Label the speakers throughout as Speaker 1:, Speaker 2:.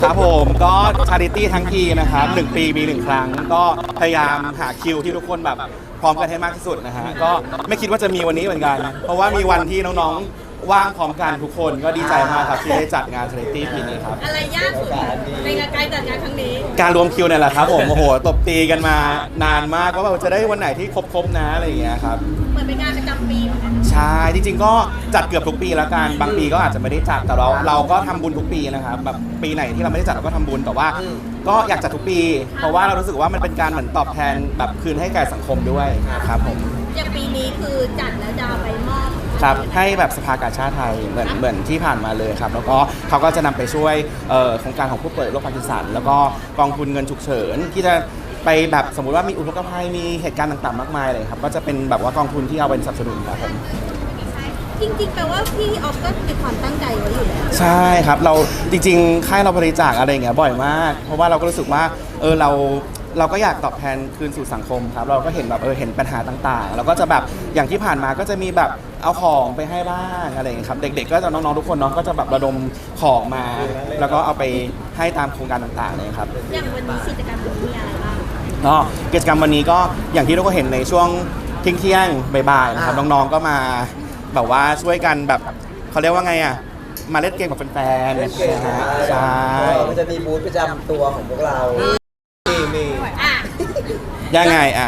Speaker 1: ครับผมก็ชาริตี้ทั้งทีนะครับ1 ปีมี1 ครั้งก็พยายามหาคิวที่ทุกคนแบบพร้อมกันให้มากที่สุดนะฮะก็ไม่คิดว่าจะมีวันนี้เหมือนกันเพราะว่ามีวันที่น้องๆว่างพร้อมกันทุกคนก็ดีใจมากครับที่ได้จัดงานชาริตี้ปีนี้ครับ
Speaker 2: อะไรยากสุดในการจัดงานครั้งนี้
Speaker 1: การรวมคิวเนี่ยแหละครับผมโอ้โหตบตีกันมานานมากว่าแบบจะได้วันไหนที่ครบนะอะไรอย่างเงี้ยครับ
Speaker 2: เหมือนเป็นงานประจำปีเหมือนกัน
Speaker 1: ใช่จริงๆก็จัดเกือบทุกปีแล้วกันบางปีก็อาจจะไม่ได้จัดแต่เราก็ทำบุญทุกปีนะครับแบบปีไหนที่เราไม่ได้จัดเราก็ทำบุญแต่ว่าก็อยากจัดทุกปี เพราะว่าเรารู้สึกว่ามันเป็นการเหมือนตอบแทนแบบคืนให้แก่สังคมด้วยครับผม
Speaker 2: อย่างปีนี้คือจัดแล้วจะเอาไปมอบ
Speaker 1: ครับให้แบบสภากาชาดไทยเหมือนที่ผ่านมาเลยครับแล้วก็เขาก็จะนำไปช่วยโครงการของผู้ป่วยโรคพาร์กินสันแล้วก็กองทุนเงินฉุกเฉินที่จะไปแบบสมมุติว่ามีอุทกภัยมีเหตุการณ์ต่างๆมากมายเลยครับก็จะเป็นแบบว่ากองทุนที่เอาไปสนับสนุนครับผม
Speaker 2: จริงๆแปลว่าพี่ออฟก็มีความตั้งใจไว้อยู่แล้ว
Speaker 1: ใช่ครับเราจริงๆค่ายเราบริจาคอะไรอย่างเงี้ยบ่อยมากเพราะว่าเราก็รู้สึกว่าเราก็อยากตอบแทนคืนสู่สังคมครับเราก็เห็นแบบเห็นปัญหาต่างๆแล้วก็จะแบบอย่างที่ผ่านมาก็จะมีแบบเอาของไปให้บ้างอะไรอย่างเงี้ยครับเด็กๆก็จะน้องๆทุกคนเนาะก็จะแบบระดมของมาแล้วก็เอาไปให้ตามโครงการต่างๆเลยครับ
Speaker 2: อย่างวันนี้กิจกรรมมีอะไรบ้าง
Speaker 1: ก็กิจกรรมวันนี้ก็อย่างที่ทุกคนเห็นในช่วงเที่ยงบ่ายๆนะครับน้องๆก็มาแบบว่าช่วยกันแบบเขาเรียกว่าไงอ่ะมาเล่นเกมกับแฟนๆใช่
Speaker 3: มันจะมีบูธประจำตัวของพวกเรามี
Speaker 1: ยังไงอ่ะ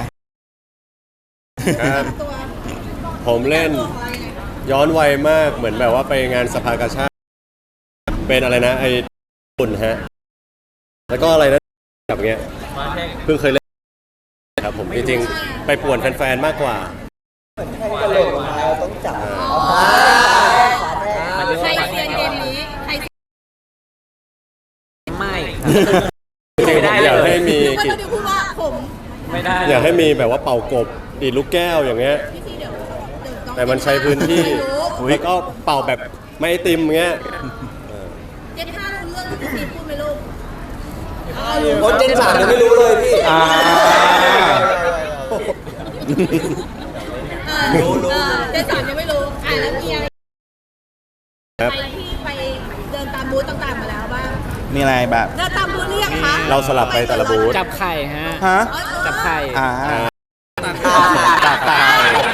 Speaker 4: ผมเล่นย้อนวัยมากเหมือนแบบว่าไปงานสภากาชาดเป็นอะไรนะไอ้ปุ่นฮะแล้วก็อะไรนะแบบเงี้ยเพิ่งเคยเล่นครับผมจริงๆไปป่วนแฟนๆมากกว่า
Speaker 3: กระโดดมาต้องจับ
Speaker 2: ใครเซียนเกมนี้ใคร
Speaker 5: ไม่
Speaker 4: อยากให้มี
Speaker 2: พูดว่าผม
Speaker 5: ไม่ได้
Speaker 4: อยากให้มีแบบว่าเป่ากบดีดลูกแก้วอย่างเงี้ยแต่มันใช้พื้นที่แล้วก็เป่าแบบไม่ไอติมเงี้ย
Speaker 2: เจน5รู้เรื่องที่พี่พูดไหมลูก
Speaker 3: คนเจน3ยังไม่รู้เลยพี่
Speaker 2: รู้เจน3ยังไม่รู้แล้วมีอะไรไปที่ไปเดินตามบูธต่างๆมาแล้วบ้าง
Speaker 1: มีอะไรแบบ
Speaker 2: เดินตามบูธหรือยังคะ
Speaker 4: เราสลับไปแต่ละบูธ
Speaker 5: จับไข่ฮะจับไข่
Speaker 1: ตักไข่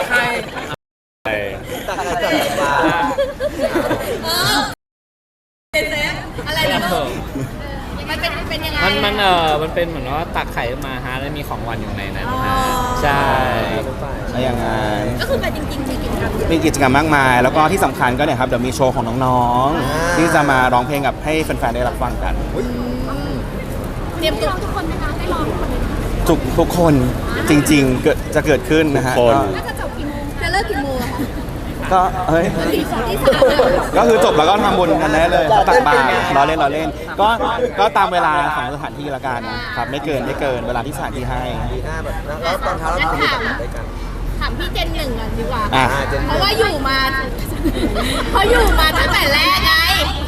Speaker 2: อะไรนะลูกมันเป็นยังไง
Speaker 5: มันเป็นเหมือนว่าตักไข่มาฮะแล้วมีของวันอยู่ในนั้นฮะใช่
Speaker 1: อะไรอย่างนั้น
Speaker 2: ก็คือแต่จริงๆ
Speaker 1: มีกิจกรรมมากมายแล้วก็ที่สำคัญก็เนี่ยครับเดี๋ยวมีโชว์ของน้องๆที่จะมาร้องเพลงกับให้แฟนๆได้รับฟังกัน
Speaker 2: เตรียมตัวทุกคนนะคะได้ร้อง
Speaker 1: ทุกคนจริงๆจะเกิดขึ้นนะฮะ
Speaker 2: น่าจะจบกี่โมงจะเลิกกี่โมง
Speaker 1: ก็ก็คือจบแล้วก็ทำบุญกันได้เลยตักบาตรเราเล่นก็ตามเวลาของสถานที่ละกันครับไม่เกินเวลาที่สถานที่ให้
Speaker 3: แล้วตอนเช้าเรา
Speaker 2: ถามพี่เจน1ก่อนดีกว่าเพราะว่าอยู่มาตั้งแต่แรกไง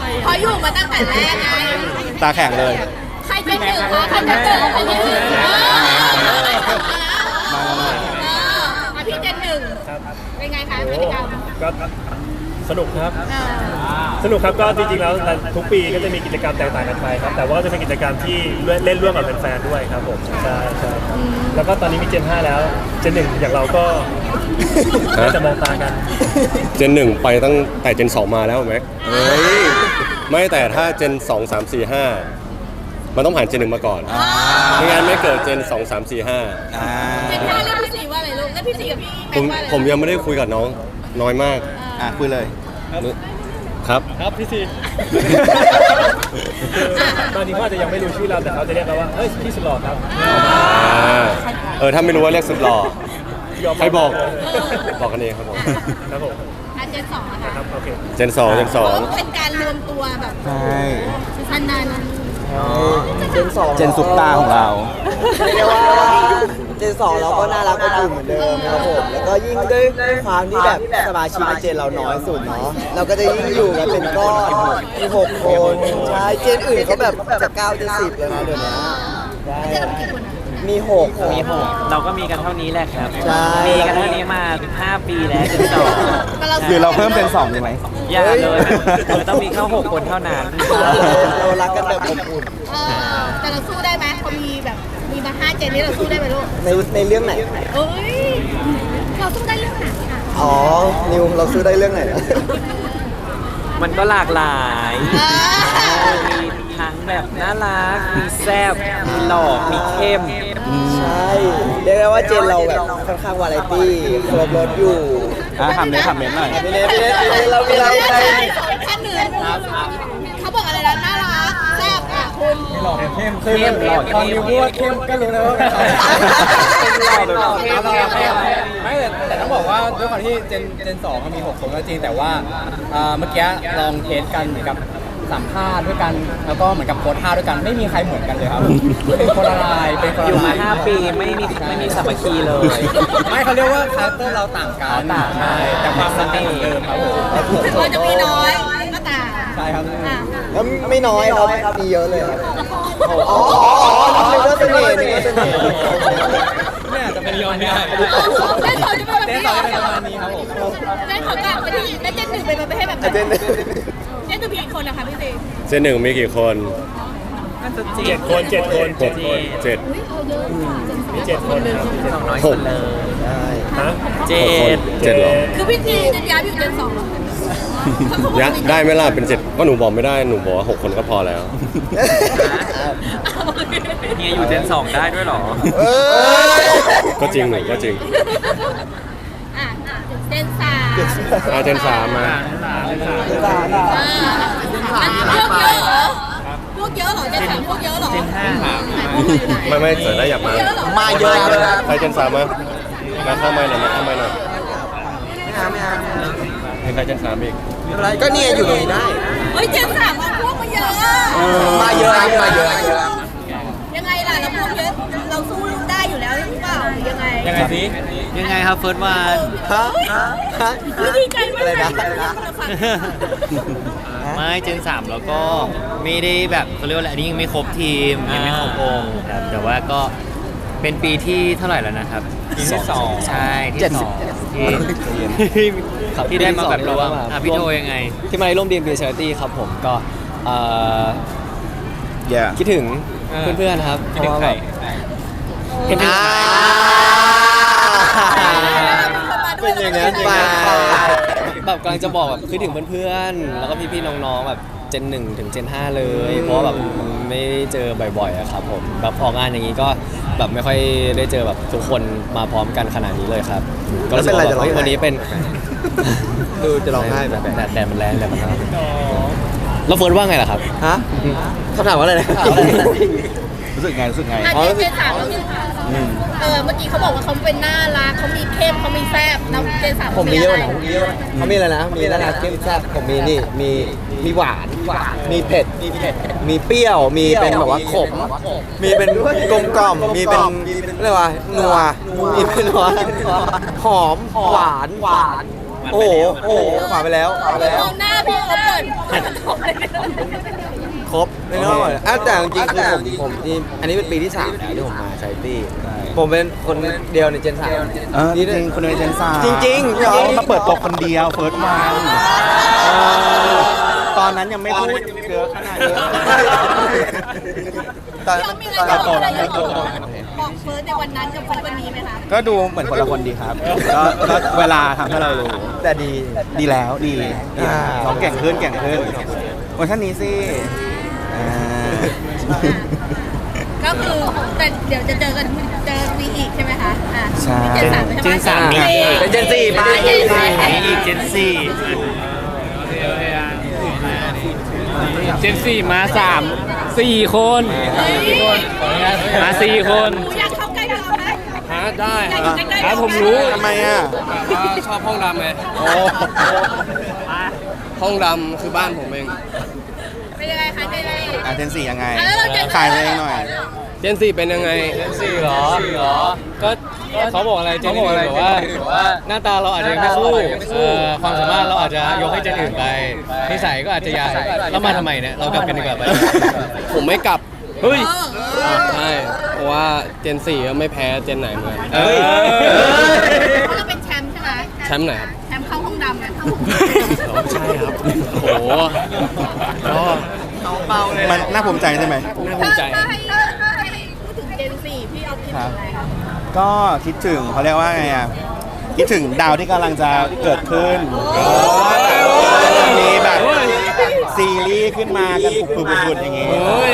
Speaker 1: ตาแข็งเลย
Speaker 2: ใครเป็น1คะใครเป็น1พี่เจน1เป็นไงคะกิจกรรม
Speaker 6: ก็สนุกครับก็จริงๆแล้วทุกปีก็จะมีกิจกรรมแตกต่างกันไปครับแต่ว่าจะเป็นกิจกรรมที่เล่นร่วมกับแฟนๆด้วยครับผมใช่แล้วก็ตอนนี้มีเจน 5แล้วเจน 1อย่างเราก็จะมองตากัน
Speaker 4: เจน 1ไปตั้งแต่เจน 2มาแล้วแม็กไม่แต่ถ้าเจน 2 3 4 5มันต้องผ่านเจน 1มาก่อนไม่งั้นไม่เกิดเจน 2 3 4 5
Speaker 2: เจน 5เรียกพี่4ว่าอะไรลูกแล้วพี่4กับพี่แม็กว่าอะไร
Speaker 4: ผมยังไม่ได้คุยกับน้องน้อยมาก
Speaker 1: คุยเลย
Speaker 4: ครับ
Speaker 6: พี่ซีตอนนี้เขาอาจจะยังไม่รู้ชื่อเราแต่เขาจะเรียกเราว่าพี่สุดหล่อครับ
Speaker 4: ถ้าไม่รู้ว่าเรียกสุดหล่อใครบอกกันเองครับผม
Speaker 2: เจน 2นะคะ
Speaker 6: ครับโอเค
Speaker 4: เจน 2
Speaker 2: เป็นการรวมตัวแบบ
Speaker 1: ใช่
Speaker 2: พันนัน
Speaker 3: เ
Speaker 1: จนซุปตาของเรา
Speaker 3: เรียกว่าเจน 2เราก็น่ารักอบอุ่นเหมือนเดิมครับผมแล้วก็ยิ่งด้วยความที่แบบสมาชิกในเจนเราน้อยสุดเนาะเราก็จะยิ่งอยู่กันเป็นก้อนมี6 คนใช่เจนอื่นเขาแบบจะ9 จะ 10เลยนะเดี๋ยวนี้
Speaker 2: เจนเรากี่คน
Speaker 3: มีหก
Speaker 5: มีหกเราก็มีกันเท่านี้แหละครับ
Speaker 3: ใช่
Speaker 5: มีกันเท่านี้มา5 ปีแล้วจนสอง
Speaker 1: หรือเราเพิ่มเป็น2ดีไหม
Speaker 5: อย่าเลยมันต้องมีแค่6 คนเท่านั้น
Speaker 3: เรารักกันแบบอบอุ่น
Speaker 2: แต่เราสู้ได้ไหมเขามีแบบมีมา5 เจนนี้เราสู้ได้ไหมลูก
Speaker 3: ในเรื่องไหน
Speaker 2: เอ้ยเราสู้ได้เรื่องไหนอ่ะ
Speaker 3: อ๋อ นิวเราซื้อได้เรื่องไหน
Speaker 5: มันก็หลากหลายมีทั้งแบบน่ารักมีแซ่บมีหล่อมีเข้ม
Speaker 3: ใช่เรียกได้ว่าเจนเราแบบค่อนข้างวาไรตี้ครบรถอยู่
Speaker 1: ทำเน้นหน่อย
Speaker 3: พี่เนทเรามีอะไรไป
Speaker 2: แค่หนึ่งเขาบอกอะไรนะน่ารักแซ่บอ่ะคุณ
Speaker 5: เข้มหล่อเข้มพูดเข้มก็รู้แล้วว่า
Speaker 7: แต่ต้องบอกว่าด้วยความที่เจน2มันมี6 คนก็จริงแต่ว่าเมื่อกี้ลองเทสกันเหมือนกับสัมภาษณ์ด้วยกันแล้วก็เหมือนกับโพสท่าด้วยกันไม่มีใครเหมือนกันเลยครับเป็นคนละลายเป็นคนละ
Speaker 5: อยู่มา
Speaker 7: ลาย
Speaker 5: 5 ปีไม่มีสามัคคีเลย
Speaker 7: ไม่เขาเรียกว่าคาแรคเตอร์เราต่างกันใช่แต่ความสนิทเหมือนเดิมครับผม
Speaker 2: ถึงเราจะมีน้อยก็ตาม
Speaker 7: ใช่ครับ
Speaker 2: อ่ะ
Speaker 3: แล้วไม่น้อยครับมีเยอะเลยครับอ๋อนึกว่าเสน่ห์นึกว่าเสน่ห์
Speaker 7: เนี่ยจะเป็นยอนเนี่ย
Speaker 2: ได้ขอจะเป็นแบบ
Speaker 7: เจน
Speaker 2: นี้
Speaker 7: 2จะเป็นประมาณนี้ครับผม
Speaker 2: ได้ขอกลับไปที่ได้เจนหนึ่งเป็นประเภทแบบไหน
Speaker 3: เจน
Speaker 2: เจนหนึ่งมีกี่คนนะคะพี่ซี
Speaker 4: เจนหนึ่งมีกี่คน
Speaker 5: น่าจะ
Speaker 6: 7 คน 7 คน 7 คน
Speaker 4: เจ็ด
Speaker 6: มี7 คนครับ
Speaker 5: น้อย
Speaker 4: ห
Speaker 5: สุ
Speaker 4: ก
Speaker 5: ดเลย
Speaker 6: ฮะ
Speaker 5: เจ
Speaker 4: คน
Speaker 5: ด
Speaker 4: เจ็ดเหรอ
Speaker 2: คือพี่ซีจะย้ายไปอยู่เจนสองเหรอ
Speaker 4: ยะได้ไหมล่ะเป็น7ก็หนูบอกไม่ได้หนูบอกว่า6 คนก็พอแล้ว
Speaker 5: เฮียอยู่เจน2ได้ด้วยเหรอ
Speaker 4: ก็จริงหนูก็จริง
Speaker 2: อ่ะเจนสาม
Speaker 4: เจน3มา
Speaker 2: พวกเยอะเหรอเจนสามพวกเยอะเหรอ
Speaker 5: เจน5ครับ
Speaker 4: ไม่เสร็จได้อยากมา
Speaker 2: เยอะเหรอ
Speaker 3: มาเยอะครับ
Speaker 4: ใครเจน3มาเข้าไม่หน่อยมาเข้าไม่หน่อย
Speaker 3: ไม่เอา
Speaker 4: เห็นใครเจน3อีก
Speaker 3: อะไรก็เนี่ยอยู่ตรงนี้ได้
Speaker 2: เฮ้ยเจนสามเอาพวกมาเยอะ
Speaker 3: มาเยอะมาเยอะ
Speaker 2: ยังไงล่ะเราพวกเยอะเราสู้ได้อยู่แล้วหรือเปล่าหรือยังไง
Speaker 7: ยังไงสิ
Speaker 5: ยังไงครับเฟิร์สวัน
Speaker 3: ฮะ
Speaker 2: ดีใจมาก
Speaker 3: อะไร
Speaker 2: เลย
Speaker 3: นะ
Speaker 5: ไม่เจน3แล้วก็ไม่ได้แบบเขาเรียกว่าอะไรอันนี้ยังไม่ครบทีมยังไม่ครบองค์ครับแต่ว่าก็เป็นปีที่เท่าไหร่แล้วนะครับปีที่2ใช่ที่สองที่ได้มาแบบร่วมพี่โทยังไง
Speaker 7: ที่มาร่วมดีมบีชาริตี้ครับผมก็
Speaker 1: yeah
Speaker 7: คิดถึงเพื่อนๆครับเพราะว่าแบบ
Speaker 5: คิดถึงใคร
Speaker 3: เป็นอย่างนั้นไป
Speaker 7: แบบกำลังจะบอกแบบคิดถึงเพื่อนๆแล้วก็พี่ๆน้องๆแบบเจน1ถึงเจน5เลยเพราะว่าแบบมันไม่ได้เจอบ่อยๆอะครับผมแบบออกงานอย่างนี้ก็แบบไม่ค่อยได้เจอแบบทุกคนมาพร้อมกันขนาดนี้เลยครับก็รู้สึกว่าแบบเฮ้ยวันนี้เป็น
Speaker 3: ดูจะร้องไห้แบบ
Speaker 7: แดดมันแรงแดดมันร้อนแล้วเฟิร์นว่าไงล่ะครับ
Speaker 3: ฮะคำถามว่าอะไรนะ
Speaker 1: รู้สึกไง
Speaker 2: เจนสามเราคือเมื่อกี้เขาบอกว่าเขาเป็นน่ารักเขามีเข้มเขามีแซ่บแล้วเจนสาม
Speaker 3: ผมมีเยอะนะเขามีอะไรนะ มีอะไรนะเข้มแซ่บผมมีนี่ มีหวาน มีเผ็ด มีเปรี้ยว มีเป็นแบบว่าขม มีเป็นกลมกล่อม มีเป็นเรียกว่านัว มีเป็นนัวหอม หวาน โอ้โหหวานไปแล้ว
Speaker 2: มองหน้าพี่เขาเปิด
Speaker 3: ครบไม่ต้องหมดแต่จริงๆคือผมที่อันนี้เป็นปีที่3แล้วที่ผมมาชาริตี้ผมเป็นคนเดียวในเจน3
Speaker 1: จริงคนในเจนซ่า
Speaker 3: จริงๆ
Speaker 1: เขามาเปิดตัวคนเดียวเฟิร์สวันตอนนั้นยังไม่พูดเยอะขนาดนี้
Speaker 3: ตอน
Speaker 2: เรามีอะไรจะบอกเฟิร์สในวันนั้นกับเฟิร์สวันนี้ไหมคะ
Speaker 1: ก็ดูเหมือนคนละคนดีครับ ก็เวลาทำให้เรารู้
Speaker 3: แต่ดี
Speaker 1: ดีแล้วดีน้องเก่งขึ้นเวอร์ชันนี้สิ
Speaker 2: ก็คือแต่เดี๋ยวจะเจอวีอีกใช่ไหมคะ
Speaker 1: ใช่
Speaker 2: เจนสาม
Speaker 5: มีอีก
Speaker 3: เป็นเจน4ไป
Speaker 5: มีอีกเจน4มา4 คนมา4 คน
Speaker 2: อยากเข้าใกล้เราไหม
Speaker 7: ได้
Speaker 2: อยากอยู่ใกล้ๆเรา
Speaker 1: ผมรู้ทำไมอ่ะ
Speaker 7: ชอบห้องดำไงห้องดำคือบ้านผมเอง
Speaker 2: เป็นยังไงคะเจนนี่
Speaker 1: เจน4ยังไง
Speaker 2: แล้วเราจะ
Speaker 1: ขายตัวเองหน่อย
Speaker 7: เจน4เป็นยังไงเจน4เหรอก็เขาบอกอะไรเจน1แบบว่าหน้าตาเราอาจจะยังไม่สู้ความสามารถเราอาจจะยกให้เจนอื่นไปนิสัยก็อาจจะยายแล้วมาทำไมเนี่ยเรากลับกันดีกว่าไปผมไม่กลับ
Speaker 5: เฮ้ย
Speaker 7: ใช่เพราะว่าเจน4ก็ไม่แพ้เจนไหนเหมือนกัน
Speaker 5: เฮ้ย
Speaker 2: เพราะเราเป็นแชมป์ใช่ไหม
Speaker 7: แชมป์ไหนครับ
Speaker 2: แชมป์เข้าห้องดำนะ
Speaker 7: ใช่ครับโอ้โหก็
Speaker 1: มันน่าภูมิใจใช่ไหม
Speaker 7: น่าภูมิใจ
Speaker 2: ถ้าให้พูดถึงเจนสี่พี่เอาคิดถึงอะไรคะ
Speaker 1: ก็คิดถึงเขาเรียกว่าไงอ่ะคิดถึงดาวที่กำลังจะเกิดขึ้นมีแบบซีรีส์ขึ้นมากันปุบๆๆอย่างงี้
Speaker 5: เฮ้ย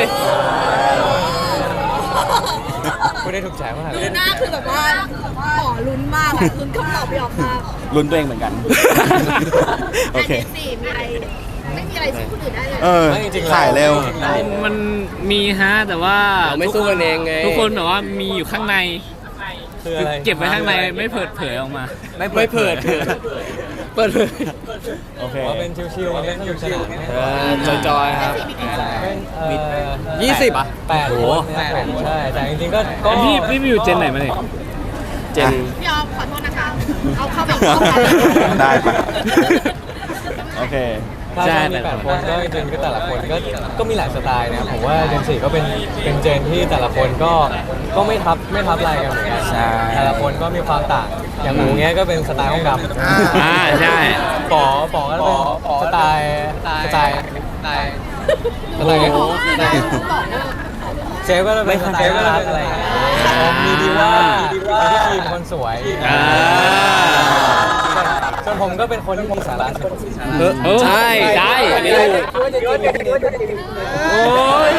Speaker 7: ไม่ได้ถูกใจมาก
Speaker 2: ดูหน้าคือแบบว่าหมอลุ้นมากอะลุ้นคำตอบไม่ออกมาก
Speaker 1: ลุ้นตัวเองเหมือนกัน โอเค
Speaker 2: เจนสี่มีอะไรไม่มีอะไรสู้คนอื่นได้เลย
Speaker 1: เออถ่ายเร็ว
Speaker 5: มันมีฮะแต่ว่า
Speaker 7: เราไม่สู้กันเองไง
Speaker 5: ทุกคนแบบว่ามีอยู่ข้างใน
Speaker 7: คืออะไร
Speaker 5: เก็บไว้ข้างในไม่เปิดเผยออกมา
Speaker 7: ไม่เปิดเปิดเลย
Speaker 1: โอเค
Speaker 8: เป็นชิวๆเล่นสนุกสนาน
Speaker 7: จอยๆครับ
Speaker 8: 20อ่ะ8คนใช่แต่จริงๆก็
Speaker 5: พี่มีอยู่เจนไหนมาเนี่ย
Speaker 7: เจน
Speaker 2: พี่ออฟขอโทษนะคะ เอาเข้าแบบเข้าไป
Speaker 1: ได้ปะโอเค
Speaker 8: ถ้ามี8คนก็จริงๆก็แต่ละคนก็มีหลายสไตล์นะผมว่าเจน4ก็เป็นเจนที่แต่ละคนก็ไม่ทับลายกันเหมือนกัน
Speaker 1: ใช่
Speaker 8: แต่ละคนก็มีความต่างอย่างหมูเงี้ยก็เป็นสไตล์ห้องดำ
Speaker 5: ใช่
Speaker 8: ป๋อก็เป็นสไตล์เชฟก็เป็นสไตล์รัดอะไรอย่างเงี้ยมีดีว่าพี่ทีมคนสวยส่วนผมก็เป็นคนที่มีสาระสุด
Speaker 5: ใช่ได้อันนี้ถูกโอ้ย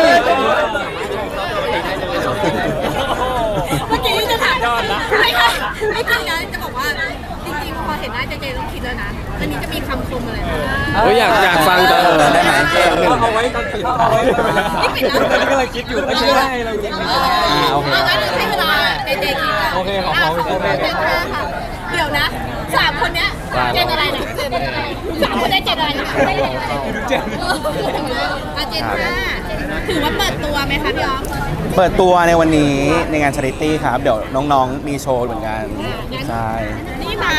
Speaker 2: เมื่อกี้จะถามไม่ค่ะไม่จริงนะจะบอกว่าจริงๆพอเห็นหน้าเจเจต้องคิดแล้วนะอันนี้จะมีคำคมอะไรบ้าง
Speaker 7: โอ้ยอยากฟังจังเลย
Speaker 1: ได้ไหม
Speaker 8: เอาไว้ตอนปิดเอาไว้ตอนนี้ก็เลยคิดอยู่ไม่ใช่ได้เราจริง
Speaker 1: โอเค
Speaker 2: เอางั้นให้เวลาเจเจคิด
Speaker 8: โอเคของเขา
Speaker 2: เจนห้าค่ะเดี๋ยวนะ3คนเนี้ยเจนอะไรนะเจนอะไร3คนได้เจนอะไรนะไม่ได้เจนเจนห้าถือว่าเปิดตัวไหมคะพี่ออฟ
Speaker 1: เปิดตัวในวันนี้ในงาน Charity ครับ เดี๋ยวน้องๆ มีโชว์เหมือนกัน ใช่
Speaker 2: นี่มา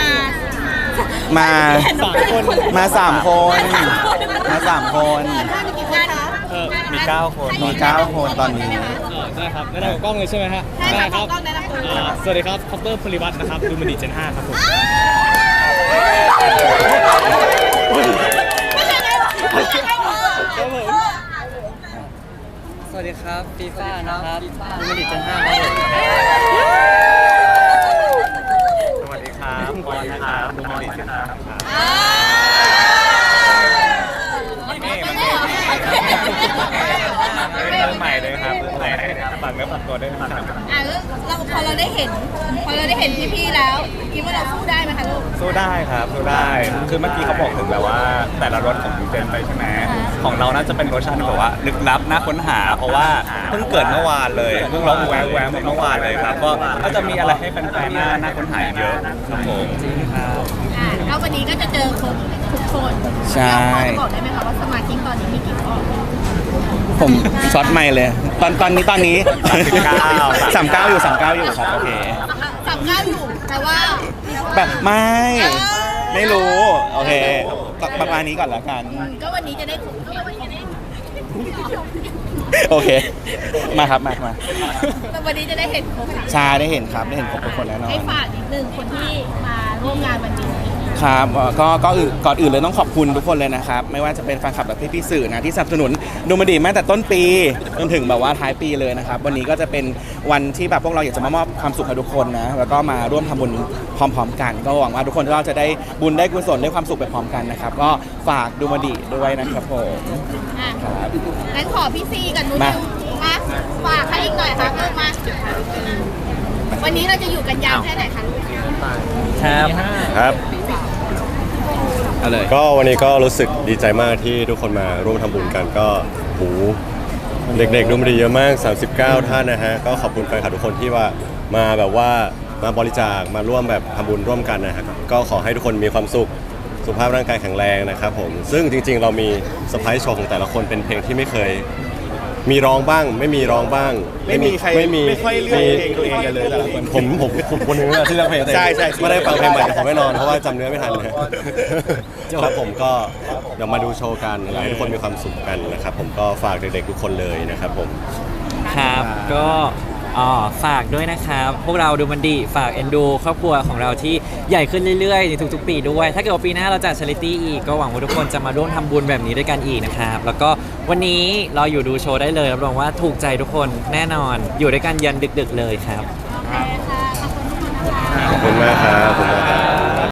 Speaker 1: มา3 คน มา3 คน
Speaker 2: กี่คนคะ
Speaker 8: มี9คน
Speaker 1: มี9 คนตอนนี้
Speaker 5: ได้ครับแนะนำกล้องเลยใช่ไหมฮะ
Speaker 2: ใช่ค่ะต้องได้รับตัว
Speaker 5: สวัสดีครับคอปเตอร์พลิวัฒน์นะครับดูมันดีเจน5ครับผม
Speaker 7: สวัสดีครับฟีฟ่านะครับดูมันดีเจน5ครับผม
Speaker 6: สวัสดีครับบอลนะครับดูมอนิเตอร์ครับ เรื่องใหม่เลยครับเรื่องใหม่ฝากเนื้อฝากตัวด้วยนะครับ
Speaker 2: เราพอเราได้เห็นพี่ๆแล้วคิดว่าเราสู้ได้ไหมคะลูก
Speaker 6: สู้ได้ครับสู้ได้คือเมื่อกี้เขาบอกถึงแบบว่าแต่ละรสของยูเจนไปใช่ไหมของเราน่าจะเป็นรสชาติที่แบบว่าลึกลับน่าค้นหา เพราะว่าเพิ่งเกิดเมื่อวานเลยเพิ่งร้องแววเมื่อวานเลยครับก็จะมีอะไรให้แฟนๆน่าค้นหาเยอะครับผม
Speaker 2: แล้ววันนี้ก็จะเจอครบทุกคน
Speaker 1: ใช่
Speaker 2: พอจะบอกได้ไหมคะว่าสมาชิกตอนนี้มีกี่คน
Speaker 1: ผมช็อตไม่เลย ตอนนี้39อยู่ครับ โอเค
Speaker 2: 39อยู่แต่ว่า
Speaker 1: แบบไม่รู้ โอเค ประมาณนี้ก่อนแล้วกัน
Speaker 2: ก็วันนี้จะได้ถูก
Speaker 1: โอเค มาครับ มา
Speaker 2: แต่วันนี้จะได้เห็นครบ
Speaker 1: ชาได้เห็นครับ ได้เห็นครบทุกคนแน่นอน
Speaker 2: ให้ฝากนิดนึงคนที่มาร่วมงานวันนี้
Speaker 1: ครับก็ก่อนอื่นเลยต้องขอบคุณทุกคนเลยนะครับ ไม่ว่าจะเป็นแฟนคลับและพี่ๆสื่อนะที่สนับสนุนดูมันดีมาตั้งแต่ต้นปีจนถึงแบบว่าท้ายปีเลยนะครับ วันนี้ก็จะเป็นวันที่แบบพวกเราอยากจะมามอบความสุขให้ทุกคนนะแล้วก็มาร่วมทำบุญพร้อมๆกัน ก็หวังว่าทุกคนก็จะได้บุญได้กุศลได้ความสุขไปพร้อมกันนะครับก็ฝากดูมันดีด้วยนะครับผม ครับ
Speaker 2: งั้นขอพี่ซีกับนุ้ย
Speaker 1: มา
Speaker 2: มาฝากให้อีกหน่อยค่ะเพิ่มมาวันนี้เราจะอยู่กันยาวแค่ไหนคะลูก
Speaker 4: ครับ
Speaker 1: เอาเลย
Speaker 4: ก็วันนี้ก็รู้สึกดีใจมากที่ทุกคนมาร่วมทำบุญกันก็หูเด็กๆดูมันดีเยอะมาก 39 ท่านนะฮะก็ขอบคุณแฟนคลับทุกคนที่ว่ามาแบบว่ามาบริจาคมาร่วมแบบทำบุญร่วมกันนะฮะก็ขอให้ทุกคนมีความสุขสุขภาพร่างกายแข็งแรงนะครับผมซึ่งจริงๆ เรามีเซอร์ไพรส์โชว์ของแต่ละคนเป็นเพลงที่ไม่เคยมีร้องบ้าง ไม่มีร้องบ้าง
Speaker 1: ไม่มีใครไม่ค่อยเลือกเพลงตัวเองกันเลยแต่ละคน
Speaker 4: ผมคนหนึงนะที่เลือกเพลงตัวเอง
Speaker 1: ใช่
Speaker 4: ไม่ได้ฟังเพลงใหม่แต่ผมแน่นอนเพราะว่าจำเนื้อไม่ทันนะครับผมก็เดี๋ยวมาดูโชว์กันอยากให้ทุกคนมีความสุขกันนะครับผมก็ฝากเด็กๆทุกคนเลยนะครับผม
Speaker 9: ครับก็ฝากด้วยนะครับ พวกเราดูมันดีฝากเอ็นดูครอบครัวของเราที่ใหญ่ขึ้นเรื่อยๆในทุกๆปีด้วย ถ้าเกิดว่าปีหน้าเราจัดชาริตี้อีกก็หวังว่าทุกคนจะมาร่วมทำบุญแบบนี้ด้วยกันอีกนะครับ แล้วก็วันนี้รออยู่ดูโชว์ได้เลยรับรองว่าถูกใจทุกคนแน่นอนอยู่ด้วยกันยันดึกๆเลยครับ
Speaker 2: โอเคค่ะ ขอบคุณทุกคนนะคะ
Speaker 4: ขอบคุณมากครับขอบคุณมาก